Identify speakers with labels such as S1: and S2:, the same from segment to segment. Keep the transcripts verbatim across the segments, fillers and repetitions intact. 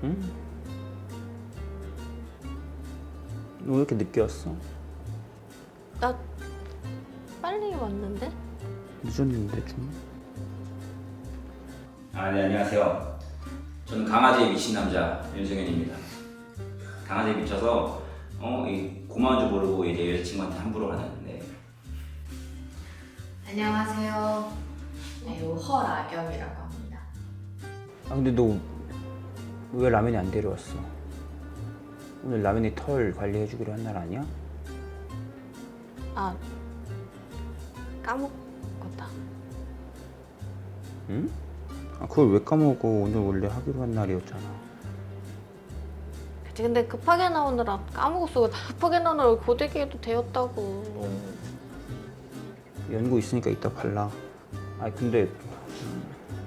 S1: 응? 너 왜 이렇게 늦게 왔어?
S2: 나 빨리 왔는데?
S1: 늦었는데 좀.
S3: 아, 네, 안녕하세요. 저는 강아지에 미친 남자 윤승현입니다. 강아지에 미쳐서 어, 이 고마운 줄 모르고 이제 여자친구한테 함부로 가는데.
S4: 안녕하세요. 배우 허라겸이라고 합니다.
S1: 아 근데 너 왜 라면이 안 데려왔어? 오늘 라면이 털 관리해주기로 한 날 아니야?
S2: 아, 까먹었다.
S1: 응? 아 그걸 왜 까먹어? 오늘 원래 하기로 한 날이었잖아.
S2: 그치, 근데 급하게 나오느라 까먹었어. 급하게 나오느라 고데기에도 되었다고.
S1: 연고 있으니까 이따 발라. 아니 근데 음,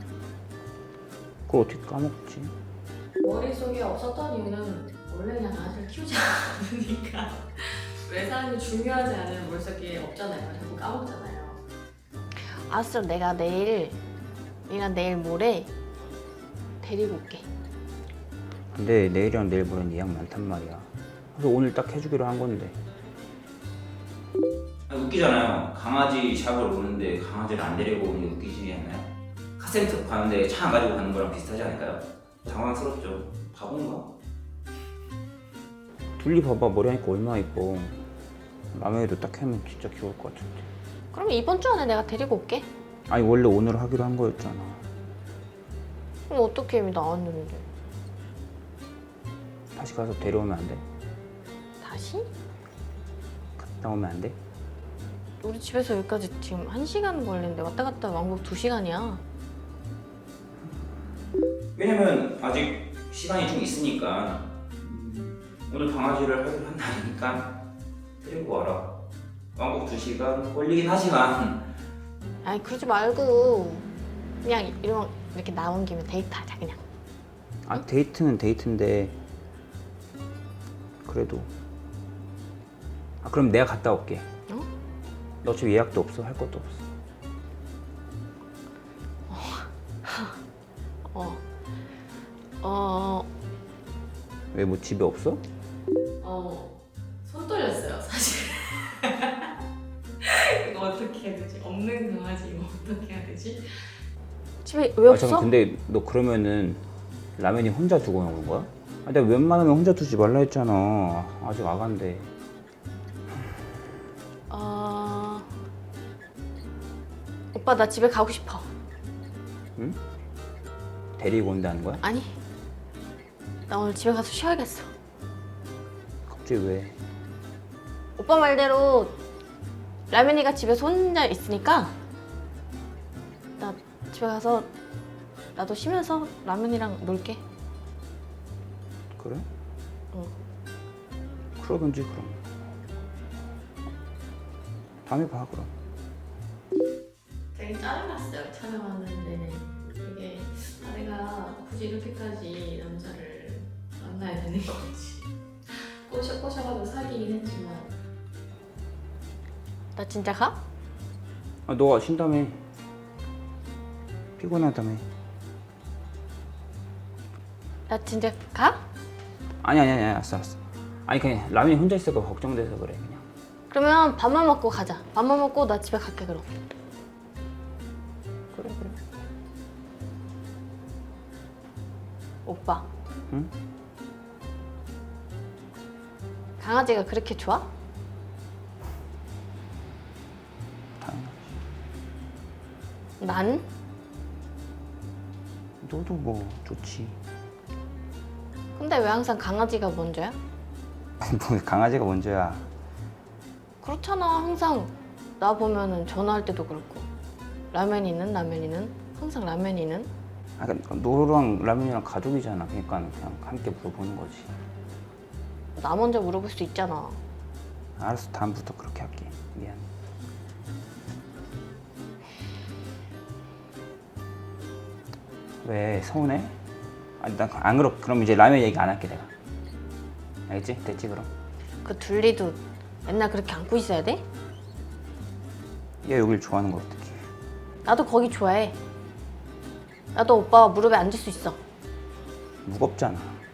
S1: 그걸 어떻게 까먹지?
S4: 머릿속에 없었던 이유는 원래 그냥 강아지를 키우지 않으니까 왜 사람이 중요하지 않은 머릿속에 없잖아요. 자꾸 까먹잖아요.
S2: 알았어, 내가 내일, 이랑 내일 모레 데리고 올게.
S1: 근데 내일이랑 내일 모레는 예약 많단 말이야. 그래서 오늘 딱 해주기로 한 건데.
S3: 아니, 웃기잖아요. 강아지 샵을 오는데 강아지를 안 데리고 오는 게 웃기지 않나요? 카센터 가는데 차 안 가지고 가는 거랑 비슷하지 않을까요? 당황스럽죠. 바본가?
S1: 둘리 봐봐, 머리 하니까 얼마나 이뻐. 라면에도 딱 하면 진짜 귀여울 것 같은데.
S2: 그럼 이번 주 안에 내가 데리고 올게.
S1: 아니 원래 오늘 하기로 한 거였잖아.
S2: 그럼 어떻게 이미 나왔는데?
S1: 다시 가서 데려오면 안 돼?
S2: 다시?
S1: 갔다 오면 안 돼?
S2: 우리 집에서 여기까지 지금 한 시간 걸리는데 왔다 갔다 왕복 두 시간이야.
S3: 왜냐면 아직 시간이 좀 있으니까 음, 오늘 강아지를 하기로 한 날이니까 데리고 와라. 왕복 두 시간 걸리긴 하지만
S2: 아니 그러지 말고 그냥 이런 이렇게 나온 김에 데이트하자 그냥.
S1: 아 데이트는 데이트인데 그래도 아 그럼 내가 갔다 올게.
S2: 어?
S1: 너 어차피 예약도 없어, 할 것도 없어.
S2: 어. 어.
S1: 왜 뭐 집에 없어?
S4: 어, 손 떨렸어요, 사실. 이거 어떻게 해야 되지? 없는 강아지 이거 어떻게 해야 되지?
S2: 집에 왜
S1: 아
S2: 없어?
S1: 잠깐 근데 너 그러면은 라면이 혼자 두고 오는 거야? 아 내가 웬만하면 혼자 두지 말라 했잖아. 아직 아간데.
S2: 어. 오빠 나 집에 가고 싶어.
S1: 응? 데리고 온다는 거야?
S2: 아니. 나 오늘 집에 가서 쉬어야겠어.
S1: 갑자기 왜?
S2: 오빠 말대로 라면이가 집에서 혼자 있으니까 나 집에 가서 나도 쉬면서 라면이랑 놀게.
S1: 그래?
S2: 응.
S1: 그러든지 그럼. 다음에 봐 그럼.
S4: 되게 짜증났어요, 촬영하는 내내. 이게 아, 내가 굳이 이렇게까지 남자를 만나야 되는 건지. 꼬셔 꼬셔가지고 사귀긴 했지만
S2: 나 진짜 가?
S1: 아 너가 쉰다며. 피곤하다며.
S2: 나 진짜 가?
S1: 아니 아니 아니 알았어 알았어. 아니 그냥 라면이 혼자 있을까 걱정돼서 그래 그냥.
S2: 그러면 밥만 먹고 가자. 밥만 먹고 나 집에 갈게 그럼.
S1: 그래 그래.
S2: 오빠.
S1: 응?
S2: 강아지가 그렇게 좋아?
S1: 당연하지.
S2: 난?
S1: 너도 뭐 좋지.
S2: 근데 왜 항상 강아지가 먼저야?
S1: 뭐 강아지가 먼저야.
S2: 그렇잖아. 항상 나 보면은 전화할 때도 그렇고 라면이는 라면이는 항상 라면이는.
S1: 아, 그러니까 너랑 라면이랑 가족이잖아. 그러니까 그냥 함께 물어보는 거지.
S2: 나 먼저 물어볼 수 있잖아.
S1: 알았어, 다음부터 그렇게 할게. 미안. 왜 서운해? 아니 난안 그렇. 그럼 이제 라면 얘기 안 할게 내가. 알겠지? 됐지 그럼.
S2: 그 둘리도 맨날 그렇게 안고 있어야 돼?
S1: 얘 여길 좋아하는 거 어떡해?
S2: 나도 거기 좋아해. 나도 오빠 무릎에 앉을 수 있어.
S1: 무겁잖아.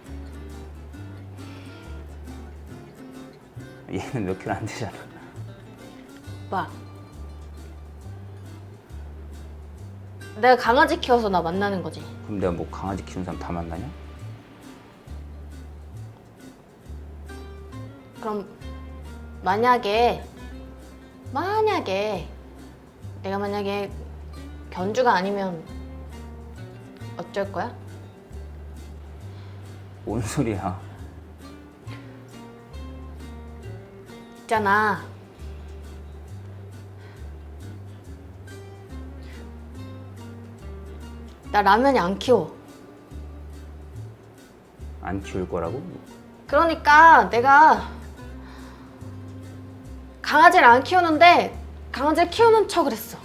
S1: 얘는 몇 킬로 안 되잖아.
S2: 오빠. 내가 강아지 키워서 나 만나는 거지.
S1: 그럼 내가 뭐 강아지 키우는 사람 다 만나냐?
S2: 그럼 만약에 만약에 내가 만약에 견주가 아니면 어쩔 거야?
S1: 뭔 소리야?
S2: 있잖아. 나 라면이 안 키워.
S1: 안 키울 거라고?
S2: 그러니까 내가 강아지를 안 키우는데 강아지를 키우는 척을 했어.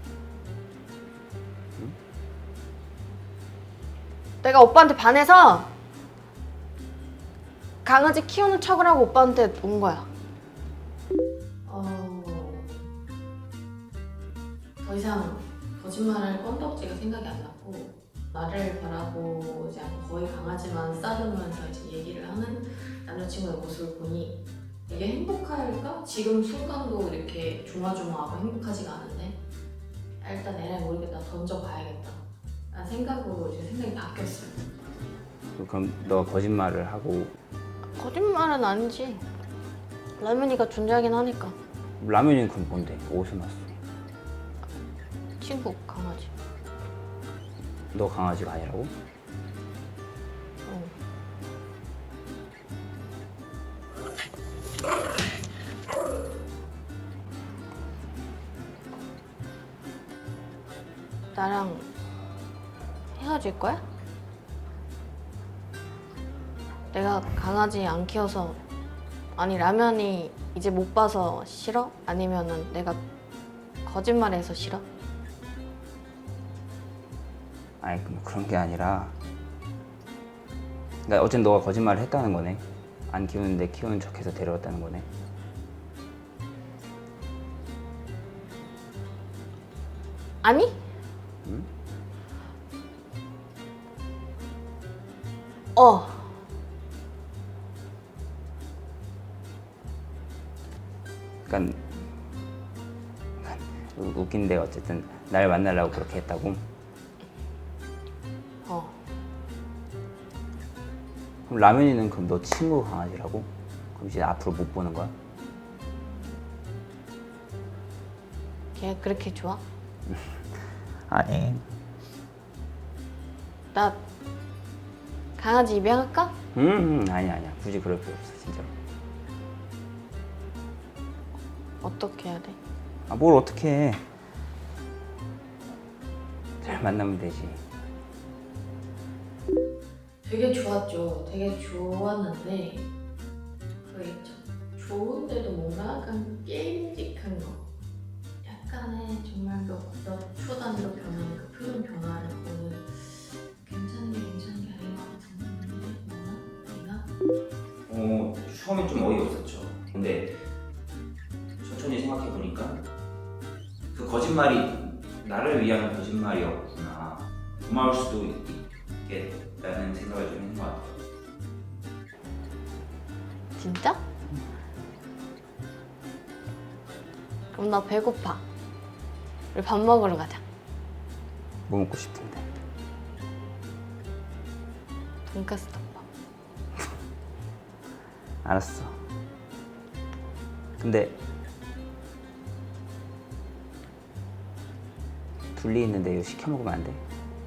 S2: 내가 오빠한테 반해서 강아지 키우는 척을 하고 오빠한테 온 거야.
S4: 어... 더 이상 거짓말할 건덕지가 생각이 안 났고 나를 바라보지 않고 거의 강아지만 싸우면서 이제 얘기를 하는 남자친구의 모습을 보니 이게 행복할까? 지금 순간도 이렇게 조마조마하고 행복하지가 않은데 일단 애를 모르겠다 던져봐야겠다 라는 생각으로 이제 생각이 바뀌었어요.
S1: 그럼 너가 거짓말을 하고
S2: 거짓말은 아니지. 라면이가 존재하긴 하니까.
S1: 라면이 그럼 뭔데? 어디서 났어?
S2: 친구 강아지.
S1: 너 강아지가 아니라고?
S2: 어. 나랑 헤어질 거야? 내가 강아지 안 키워서 아니 라면이 이제 못 봐서 싫어? 아니면은 내가 거짓말해서 싫어?
S1: 아니 뭐 그런 게 아니라 그러니까 어쨌든 너가 거짓말을 했다는 거네. 안 키우는데 키우는 척해서 데려왔다는 거네.
S2: 아니?
S1: 응?
S2: 어.
S1: 그러니까 웃긴데 어쨌든 날 만나려고 그렇게 했다고?
S2: 어.
S1: 그럼 라면이는 그럼 너 친구 강아지라고? 그럼 이제 앞으로 못 보는 거야?
S2: 걔 그렇게 좋아?
S1: 아니.
S2: 나 강아지 입양할까?
S1: 음, 음 아니 아니야. 굳이 그럴 필요 없어 진짜로.
S2: 어떻게 해야 돼?
S1: 아 뭘 어떻게 해? 잘 만나면 되지.
S4: 되게 좋았죠. 되게 좋았는데 그 있죠. 좋은데도 뭔가 약간 게임직한 거. 약간의 정말 몇, 몇 초 단위로 변하는 그 표정 변화를 보는 괜찮은 게 괜찮은 게 아닌 것 같은데 뭐나? 내가?
S3: 어, 처음엔 좀 어이없었죠. 근데 천천히 생각해 보니까 그 거짓말이 나를 위한 거짓말이었구나. 고마울 수도 있겠다는 생각을 좀 했는 것 같아요.
S2: 진짜? 그럼 나 배고파. 우리 밥 먹으러 가자.
S1: 뭐 먹고 싶은데?
S2: 돈까스 덮밥.
S1: 알았어. 근데 둘리 있는데 이거 시켜 먹으면 안 돼?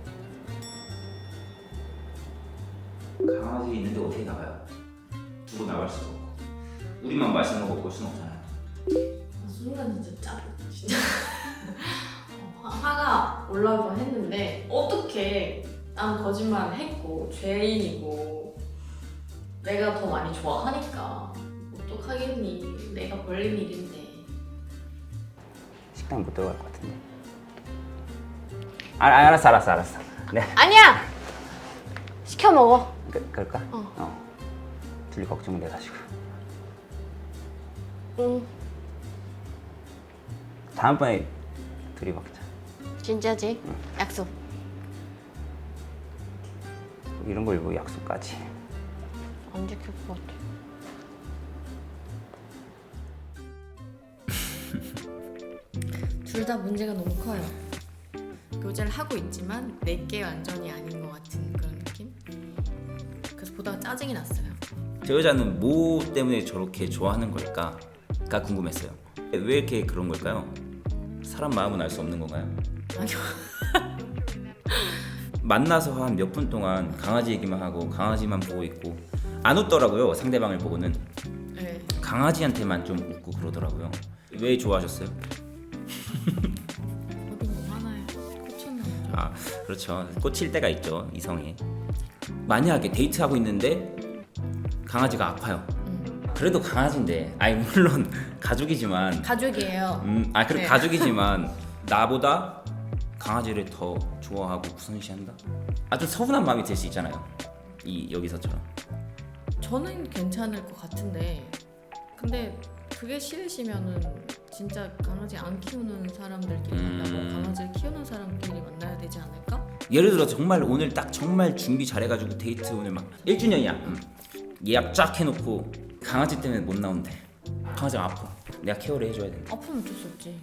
S3: 강아지 있는데 어떻게 나가요? 두고 나갈 수도 없고 우리만 맛있는 거 먹을 수는 없잖아요.
S4: 그 순간 진짜 짜 진짜 화- 화가 올라오고 했는데 어떻게 난 거짓말을 했고 죄인이고 내가 더 많이 좋아하니까 어떡하겠니. 내가 벌린 일인데.
S1: 식당 못 들어갈 것 같은데. 아, 아, 알았어 알았어 알았어. 네.
S2: 아니야! 시켜 먹어.
S1: 그, 그럴까?
S2: 어.
S1: 둘리 걱정돼가지고.
S2: 응.
S1: 다음번에 둘이 먹자.
S2: 진짜지?
S1: 응.
S2: 약속.
S1: 이런 걸 뭐 약속까지.
S2: 안 지킬 것 같아.
S4: 둘 다 문제가 너무 커요. 교제를 하고 있지만 내게 완전히 아닌 것 같은 그런 느낌? 그래서 보다가 짜증이 났어요.
S3: 저 여자는 뭐 때문에 저렇게 좋아하는 걸까가 궁금했어요. 왜 이렇게 그런 걸까요? 사람 마음은 알 수 없는 건가요?
S4: 아니요.
S3: 만나서 한 몇 분 동안 강아지 얘기만 하고 강아지만 보고 있고 안 웃더라고요. 상대방을 보고는
S4: 네.
S3: 강아지한테만 좀 웃고 그러더라고요. 왜 좋아하셨어요?
S4: 어디 뭐 하나에 꽂혔나 보죠.
S3: 아 그렇죠. 꽂힐 때가 있죠 이성에. 만약에 데이트하고 있는데 강아지가 아파요.
S4: 음.
S3: 그래도 강아지인데 아니 물론 가족이지만
S4: 가족이에요.
S3: 음, 아 그래
S4: 네.
S3: 가족이지만 나보다 강아지를 더 좋아하고 우선시한다? 아주 서운한 마음이 들 수 있잖아요. 이 여기서처럼.
S4: 저는 괜찮을 것 같은데 근데 그게 싫으시면은 진짜 강아지 안 키우는 사람들끼리
S3: 음.
S4: 만나고 강아지를 키우는 사람끼리 만나야 되지 않을까?
S3: 예를 들어 정말 오늘 딱 정말 준비 잘해가지고 데이트 오늘 막 일 주년이야. 음. 예약 쫙 해놓고 강아지 때문에 못 나온대. 강아지가 아파. 내가 케어를 해줘야 된다.
S4: 아프면 어쩔 수 없지.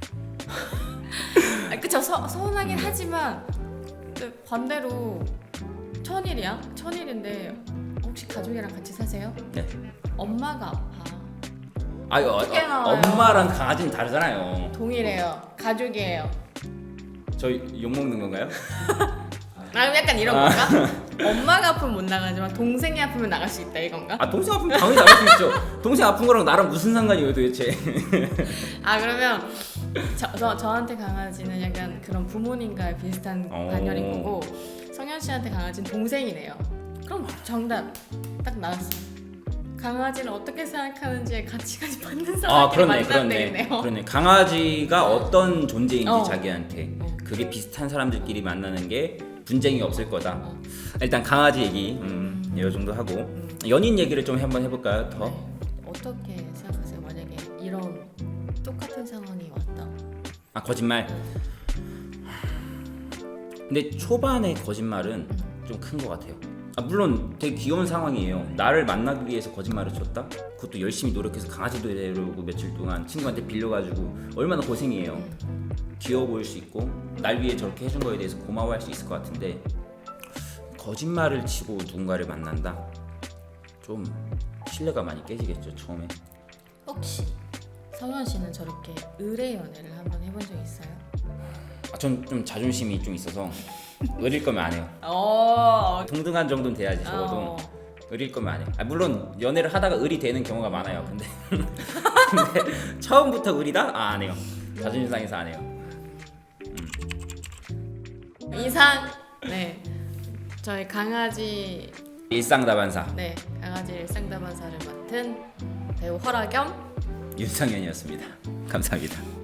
S4: 아, 그쵸. 서, 서운하긴 하지만 근데 반대로 천일이야? 천일인데 혹시 가족이랑 같이 사세요?
S3: 네.
S4: 엄마가 아파.
S3: 아 이거
S4: 어떻게
S3: 어,
S4: 나와요?
S3: 엄마랑 강아지는 다르잖아요.
S4: 동일해요. 가족이에요.
S3: 저 욕 먹는 건가요?
S4: 아 약간 이런 건가? 엄마가 아프면 못 나가지만 동생이 아프면 나갈 수 있다 이건가?
S3: 아 동생 아프면 당연히 나갈 수 있죠. 동생 아픈 거랑 나랑 무슨 상관이에요 도대체?
S4: 아 그러면 저, 저, 저한테 강아지는 약간 그런 부모님과 비슷한
S3: 오.
S4: 관념인 거고 성현 씨한테 강아지는 동생이네요. 그럼 정답 딱 나왔어. 강아지를 어떻게 생각하는지에 가치까지 받는
S3: 아
S4: 사람끼리
S3: 그렇네
S4: 만나면
S3: 그렇네
S4: 되겠네요.
S3: 그렇네. 강아지가 어떤 존재인지
S4: 어.
S3: 자기한테
S4: 어.
S3: 그게 비슷한 사람들끼리 만나는 게 분쟁이 없을 거다.
S4: 어.
S3: 일단 강아지 얘기 음, 이 정도 하고
S4: 음.
S3: 연인 얘기를 좀 한번 해볼까요? 더?
S4: 네. 어떻게 생각하세요? 만약에 이런 똑같은 상황이 왔다.
S3: 아 거짓말. 근데 초반에 거짓말은 좀 큰 것 같아요. 아, 물론 되게 귀여운 상황이에요. 나를 만나기 위해서 거짓말을 쳤다? 그것도 열심히 노력해서 강아지도 데려오고 며칠 동안 친구한테 빌려가지고 얼마나 고생이에요. 귀여워 보일 수 있고 날 위해 저렇게 해준 거에 대해서 고마워할 수 있을 것 같은데 거짓말을 치고 누군가를 만난다? 좀 신뢰가 많이 깨지겠죠 처음에.
S4: 혹시 성현 씨는 저렇게 의뢰 연애를 한번 해본 적 있어요?
S3: 아, 전 좀 자존심이 좀 있어서 의릴 거면 안 해요.
S4: 어.
S3: 동등한 정도는 돼야지 적어도.
S4: 어.
S3: 의릴 거면 안 해. 아, 물론 연애를 하다가 의리 되는 경우가 많아요. 근데, 근데 처음부터 의리다? 아, 안 해요. 자존심 상해서 안 해요.
S4: 이상 네 저희 강아지
S3: 일상다반사
S4: 네 강아지 일상다반사를 맡은 배우 허라겸
S3: 윤상현이었습니다. 감사합니다.